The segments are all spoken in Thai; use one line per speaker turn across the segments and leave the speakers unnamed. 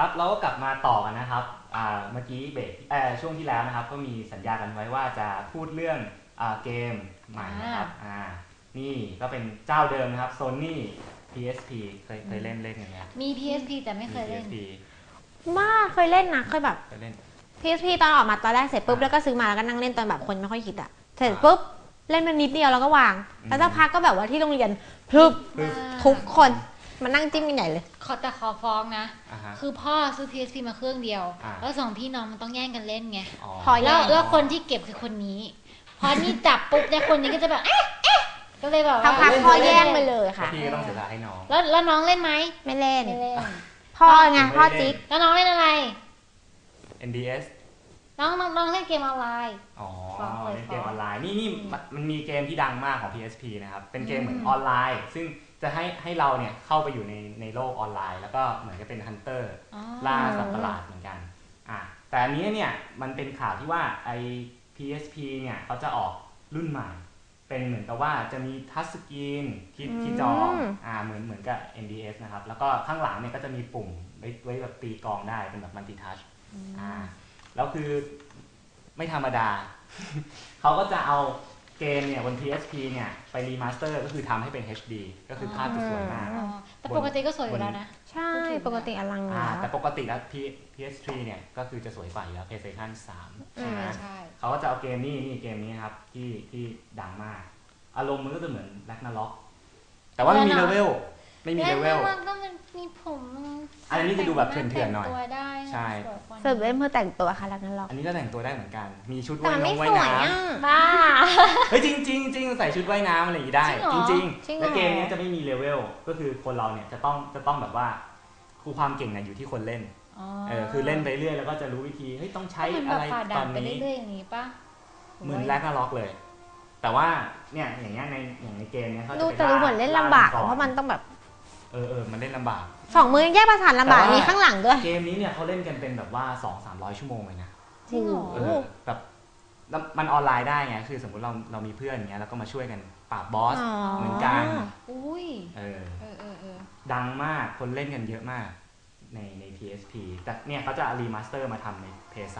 ครับเราก็กลับมาต่อกันนะครับเมื่อกี้เบรกช่วงที่แล้วนะครับก็มีสัญญากันไว้ว่าจะพูดเรื่องเกมใหม่นะครับนี่ก็เป็นเจ้าเดิมนะครับ Sony PSP เคยเล่นกันไหม
มี PSP แต่ไม่เคยเล่น
ว่าเคยเล่นนะเคยแบบ
เคยเล่น
PSP ตอนออกมาตอนแรกเสร็จปุ๊บแล้วก็ซื้อมาแล้วก็นั่งเล่นตอนแบบคนไม่ค่อยคิดอะเสร็จปุ๊บเล่นมันนิดเดียวแล้วก็วางแล้วสักพักก็แบบว่าที่โรงเรียนพรึบทุกคนมานั่งจิ้มกันใหญ่เลย
ขอฟ้องนะคือพ่อซื้อ PSP มาเครื่องเดียวแล้วสองพี่น้องมันต้องแย่งกันเล่นไงพอแล้วคนที่เก็บคือคนนี้พอนี่จับปุ๊บเนี่ยคนนี้ก็จะแบบก็เลยแบบว่า
พักพ่อแย่งไปเลยค่ะ
พี่ก็ต้องเสียสละให้น้อง
แล้วน้องเล่นไหม
ไม่เล่นพ่อไงพ่อจิ๊ก
แล้วน้องเล่นอะไร
NDS
น้องเล่นเกมออนไลน์
เล่นเกมออนไลน์นี่มันมีเกมที่ดังมากของ PSP นะครับเป็นเกมเหมือนออนไลน์ซึ่งจะให้เราเนี่ยเข้าไปอยู่ในโลกออนไลน์แล้วก็เหมือนกับเป็นฮันเตอร์ล่าสัตว์ประหลาดเหมือนกันแต่อันนี้เนี่ยมันเป็นข่าวที่ว่าไอ้ PSP เนี่ยเขาจะออกรุ่นใหม่เป็นเหมือนกับว่าจะมีทัชสกรีนที่จอเหมือนกับ NDS นะครับแล้วก็ข้างหลังเนี่ยก็จะมีปุ่มไว้แบบตีกลองได้เป็นแบบมัลติทัชแล้วคือไม่ธรรมดา เขาก็จะเอาเกมเนี่ยบน PSP เนี่ยไปรีมาสเตอร์ก็คือทำให้เป็น HD ก็คือภาพจะสวยมาก
แต่ปกติก็สวยอยู่แล้วนะ
ใช่ปกติอลัง
แต่ปกติแล้ว PS3 เนี่ยก็คือจะสวยกว่าอยู่แล้ว PlayStation 3
ใช่
เขาก็จะเอาเกมนี้เกมนี้ครับที่ดังมากอารมณ์มันก็จะเหมือน Ragnarok แต่ว่าไม่มีเลเวล
มันก็มีผม
อันนี้จะดูแบบเถื่อนๆหน่อยใช่
เสิร์ฟเล่นเพื่อแต่งตัวค่ะรักนั้นหรอก
อันนี้ก็แต่งตัวได้เหมือนกันมีชุดว่ายน้ำ
บ้า
เฮ้ยจริงใส่ชุดว่ายน้ำอะไรอย่างนี้ได้จริงและเกมนี้จะไม่มีเลเวลก็คือคนเราเนี่ยจะต้องแบบว่าความเก่งเนี่ยอยู่ที่คนเล่นคือเล่นไปเรื่อยแล้วก็จะรู้วิธีเฮ้ยต้องใช้อะไรตอนนี้
เรื่อยๆอย่างนี้ป่ะ
เหมือนแร็กนาร็อกเลยแต่ว่าเนี่ยอย่างเงี้ยในเกมเนี้ยเขาจะ
ดูเหมือนเล่นลำบากเพราะมันต้องแบบ
มันเล่นลำบาก
2 มือแยกประสานลำบากมีข้างหลังด้วย
เกมนี้เนี่ยเขาเล่นกันเป็นแบบว่า 200-300 ชั่วโมงเลยนะ
จริงเหรอ
แบบมันออนไลน์ได้ไงคือสมมติเรามีเพื่อนอย่างเงี้ยแล้วก็มาช่วยกันปราบบอสเหมือนกัน
อุ้ย
ดังมากคนเล่นกันเยอะมากใน PSP แต่เนี่ยเขาจะรีมาสเตอร์มาทำใน PS3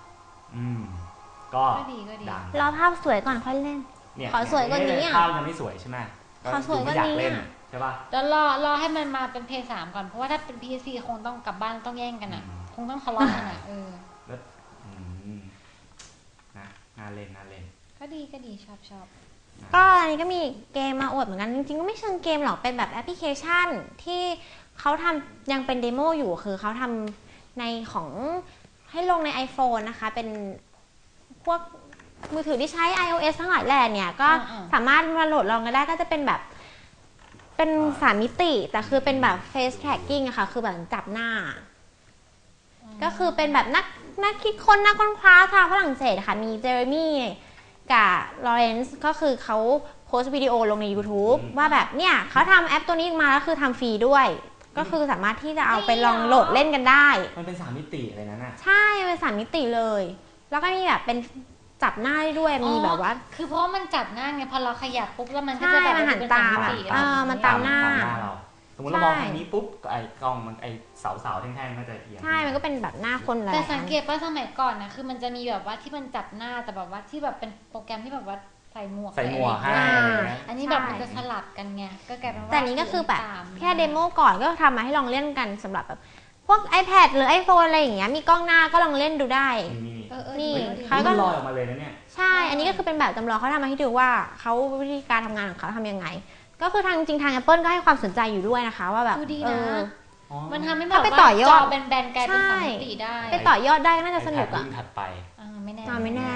ก็
ดัง
รอภาพสวยก่อนค่อยเล่นขอสวยกว่านี้
ภาพยังไม่สวยใช่ไหม
ขอสวยกว่านี้
ใช่ป่ะ
แล้วรอให้มันมาเป็น PS3 ก่อนเพราะว่าถ้าเป็น PSP คงต้องกลับบ้านต้องแย่งกันอ่ะคงต้องทะเลาะกันอ่ะ
แล้วน่าเล่น
ก็ดีชอบ
ก็อันนี้ก็มีเกมมาอวดเหมือนกันจริงๆก็ไม่เชิงเกมหรอกเป็นแบบแอปพลิเคชันที่เขาทำยังเป็นเดโมอยู่คือเขาทำในของให้ลงใน iPhone นะคะเป็นพวกมือถือที่ใช้ iOS ทั้งหลายแหล่เนี่ยก็สามารถมาโหลดลองกันได้ก็จะเป็นแบบเป็น3 มิติแต่คือเป็นแบบ face tracking อะค่ะคือแบบจับหน้าก็คือเป็นแบบนักคิดค้นนักค้นคว้าทางฝรั่งเศสค่ะมีเจอร์มี่กับลอเรนซ์ก็คือเขาโพสต์วิดีโอลงใน YouTube ว่าแบบเนี่ยเขาทำแอปตัวนี้มาแล้วคือทำฟรีด้วยก็คือสามารถที่จะเอาไปลองโหลดเล่นกันได้
มันเป็น3 มิติอะไรนั่นน่ะ
ใช่เป็น3 มิติเลยแล้วก็มีแบบเป็นจับหน้าได้ด้วยมีแบบว่า
คือเพราะมันจับหน้าไงพอเราขยับปุ๊บแล้วมันก็จะแบบ
หันตามมันตามหน้า
เราสมมติเรามองทางนี้ปุ๊บไอ้กล้องมันไอ้เสาแท่งๆก็จะเอียง
ใช่มันก็เป็นแบบหน้าคนเลย
แต่สังเกตว่าสมัยก่อนนะคือมันจะมีแบบว่าที่มันจับหน้าแต่แบบว่าที่แบบเป็นโปรแกรมที่แบบว่าใส่หมวก
ให้
อันนี้แบบมันจะสลับกันไงก็กลายเป็นว่า
แต่นี้ก็คือแบบแค่เดโมก่อนก็ทำมาให้ลองเล่นกันสำหรับแบบพวก iPad หรือ iPhone อะไรอย่างเงี้ยมีกล้องหน้าก็ลองเล่นดูได้
นี่เขาก็ลอยออกมาเลยนะเนี่ย
ใช่อันนี้ก็คือเป็นแบบจำลองเขาทำมาให้ดูว่าเขาวิธีการทำงานของเขาทำยังไงก็คือทางจริงทาง Apple ก็ให้ความสนใจอยู่ด้วยนะคะว่าแบบ
มันทำให้แบบว่าจอแบนๆกลายเป็น3 มิติได้
ไปต่อยอดได้น่าจะสนุกอ่ะ
ถัดไป
ไม่แน่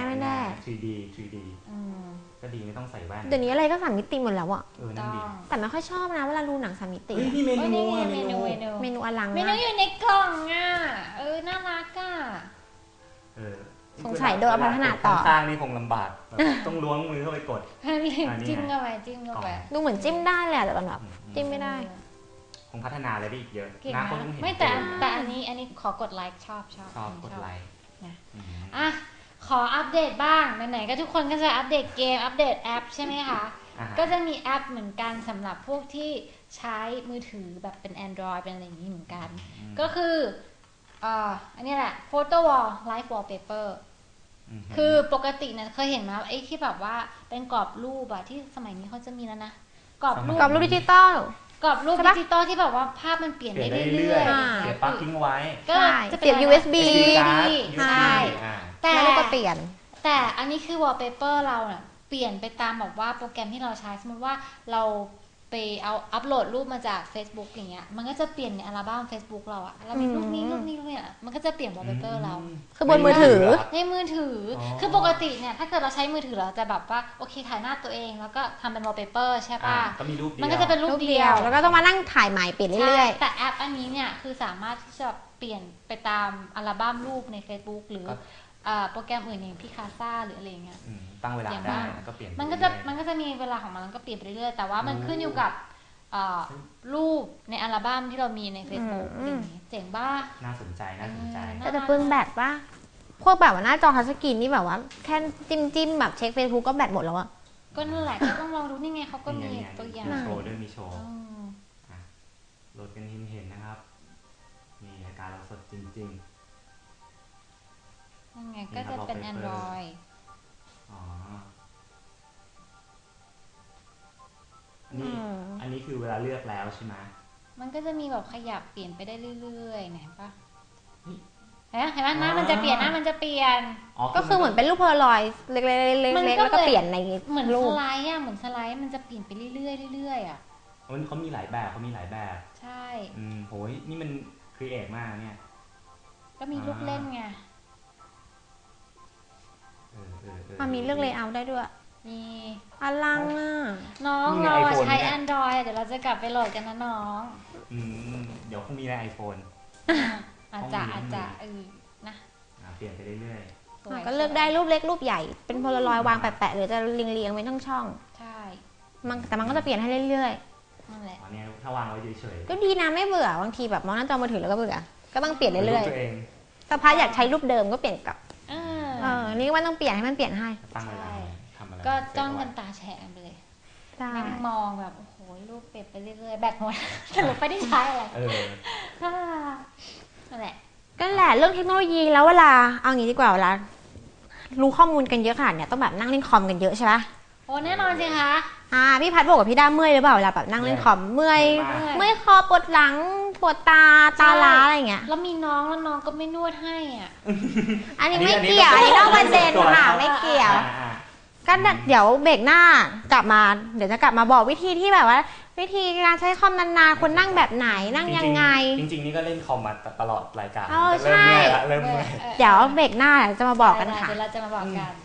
3D ก็ดีไม่ต้องใส่แว่น
เดี๋ยวนี้อะไรก็3 มิติหมดแล้วอ่ะ
นั่นดี
แต่ไม่ค่อยชอบนะเวลาดูหนัง3 มิติ
นี่เม
นูอลัง
เมนูอยู่ในกล่องอ่ะน่ารักอ่ะ
สงสัยโดนพัฒนาต่อ
ข้างนี่คงลำบากต้องล้วงมือเข้าไปกด
จิ้มเข้าไป
ดูเหมือนจิ้มได้แหละแต่แบบจิ้มไม่ได้
คงพัฒนาอะไรได้อีกเยอะ
นะคนเห็นไม่แต่อันนี้ขอกดไลค์ชอบ
กดไลค์
อ่ะขออัปเดตบ้างไหนๆก็ทุกคนก็จะอัปเดตเกมอัปเดตแอปใช่ไหมคะก็จะมีแอปเหมือนกันสำหรับพวกที่ใช้มือถือแบบเป็น Android เป็นอะไรอย่างนี้เหมือนกันก็คืออันนี้แหละ photo wall live wallpaper คือปกติเนี่ยเคยเห็นไหมไอ้ที่แบบว่าเป็นกรอบรูปอะที่สมัยนี้เขาจะมีแล้วนะกรอบรูป
ดิจิตอล
กรอบรูปดิจิตอลที่แบบว่าภาพมันเปลี่ยนได้เรื่อย
ๆเสียบปลั๊กทิ้งไว้
ก็
จะเปลี่ยน USB
ใช่
แต่ก็เปลี่ยน
แต่อันนี้คือ wallpaper เราเนี่ยเปลี่ยนไปตามแบบว่าโปรแกรมที่เราใช้สมมติว่าเราไปเอาอัปโหลดรูปมาจาก Facebook อย่างเงี้ยมันก็จะเปลี่ยนในอัลบั้ม Facebook เราอะเรามีรูปนี้เนี่ยมันก็จะเปลี่ยน wallpaper เรา
คือบนมือถือ
ในมือถือคือปกติเนี่ยถ้าเกิดเราใช้มือถือเราจะแบบว่าโอเคถ่ายหน้าตัวเองแล้วก็ทำเป็น wallpaper ใช่ป่ะมันก็จะเป็นรูปเดียว
แล้วก็ต้องมานั่งถ่ายใหม่เปลี่ยนเรื่อย
ๆแต่แอปอันนี้เนี่ยคือสามารถที่จะเปลี่ยนไปตามอัลบั้มรูปใน Facebook หรือโปรแกรมอื่นอย่างพิคาซ่าหรืออะไรเงี้ย
ตั้งเวลาได้ก็เปลี่ยน
มันก็จะมีเวลาของมันก็เปลี่ยนไปเรื่อยๆแต่ว่ามันขึ้นอยู่กับรูปในอัลบั้มที่เรามีใน Facebook อย่างนี้เจ๋งบ้า
น่าสนใจ
แต่จะเปลืองแบตป่ะพวกแบบว่าหน้าจอทัชสกรีนนี่แบบว่าแค่จิ้มแบบเช็ค Facebook ก็แบตหมดแล้วอะ
ก็นั่นแหละก็ต้องลองดูนี่ไงเขาก็มีตัวอย่าง
โชว์ด้วยมีโชว์โหลดกันเห็นนะครับนี่รายการเราสดจริง
นั่นไงก็จะเป็น Android
อันนี้คือเวลาเลือกแล้วใช่ไหม
มันก็จะมีแบบขยับเปลี่ยนไปได้เรื่อยๆเห็นปะเห็นไหมหน้ามันจะเปลี่ยน
ก็คือเหมือนเป็นรูปโพลารอยด์เล็กๆแล้วก็เปลี่ยนใน
เหมือนสไลด์เหมือนสไลด์มันจะเปลี่ยนไปเรื่อยๆอ่ะ
เขามีหลายแบบ
ใช่
โหยนี่มันครีเอทมากเนี่ย
ก็มีลูกเล่นไง
มีเลือกเลเยอร์ได้ด้วย
มี
อลังอ่ะ
น้องเราใช้ Android เดี๋ยวเราจะกลับไปโหลดกันนะน้อง
เดี๋ยวคงมีใน iPhone
อาจจะนะ
เปลี่ยนไปเรื่อย
ๆก็เลือกได้รูปเล็กรูปใหญ่เป็นโพลารอยด์วางแปะๆหรือจะเรียงๆไว้ทั้งช่อง
ใช่
แต่มันก็จะเปลี่ยนให้เรื่อย
ๆนั่นแหละ
เนี่ยถ้าวางไว้เฉย
ๆก็ดีนะไม่เบื่อบางทีแบบมองหน้าจอมือถือแล้วก็เบื่อก็ต้องเปลี่ยนเรื่อยๆสักพักอยากใช้รูปเดิมก็เปลี่ยนกลับนี่ว่าต้องเปลี่ยนให้มันเปลี่ยนให้
ตั้งเวลา
ก็จ้องกันตาแฉะไปเลยนั่งมองแบบโอ้โหรูปเปลี่ยนไปเรื่อยๆแบตหมดสรุปไม่ได้ใช้อะไรนั่นแหละ
ก็แหละเรื่องเทคโนโลยีแล้วเวลาเอางี้ดีกว่าเวลารู้ข้อมูลกันเยอะขนาดเนี้ยต้องแบบนั่งเล่นคอมกันเยอะใช่ปะ
โอ้แน่นอนสิคะ
พี่พัดบอกกับพี่ด้าเมื่อยหรือเปล่าเวลาแบบนั่งเล่นคอมเมื่อยคอปวดหลังปวดตาล้าอะไรเงี้ย
แล้วมีน้องก็ไม่นวดให้อ่ะ
อันนี้ไม่เกี่ยวอันนี้นอกประเด็นค่ะไม่เกี่ยวก็เดี๋ยวเบรกหน้ากลับมาเดี๋ยวจะกลับมาบอกวิธีที่แบบว่าวิธีการใช้คอมนานๆคนนั่งแบบไหนนั่งยังไง
จริงๆนี่ก็เล่นคอมมาตลอดรายการ
เริ่มเมื่อยเดี๋ยวเบรกหน้าจะมาบอกกันค่ะ
เดี๋ยวเราจะมาบอกกัน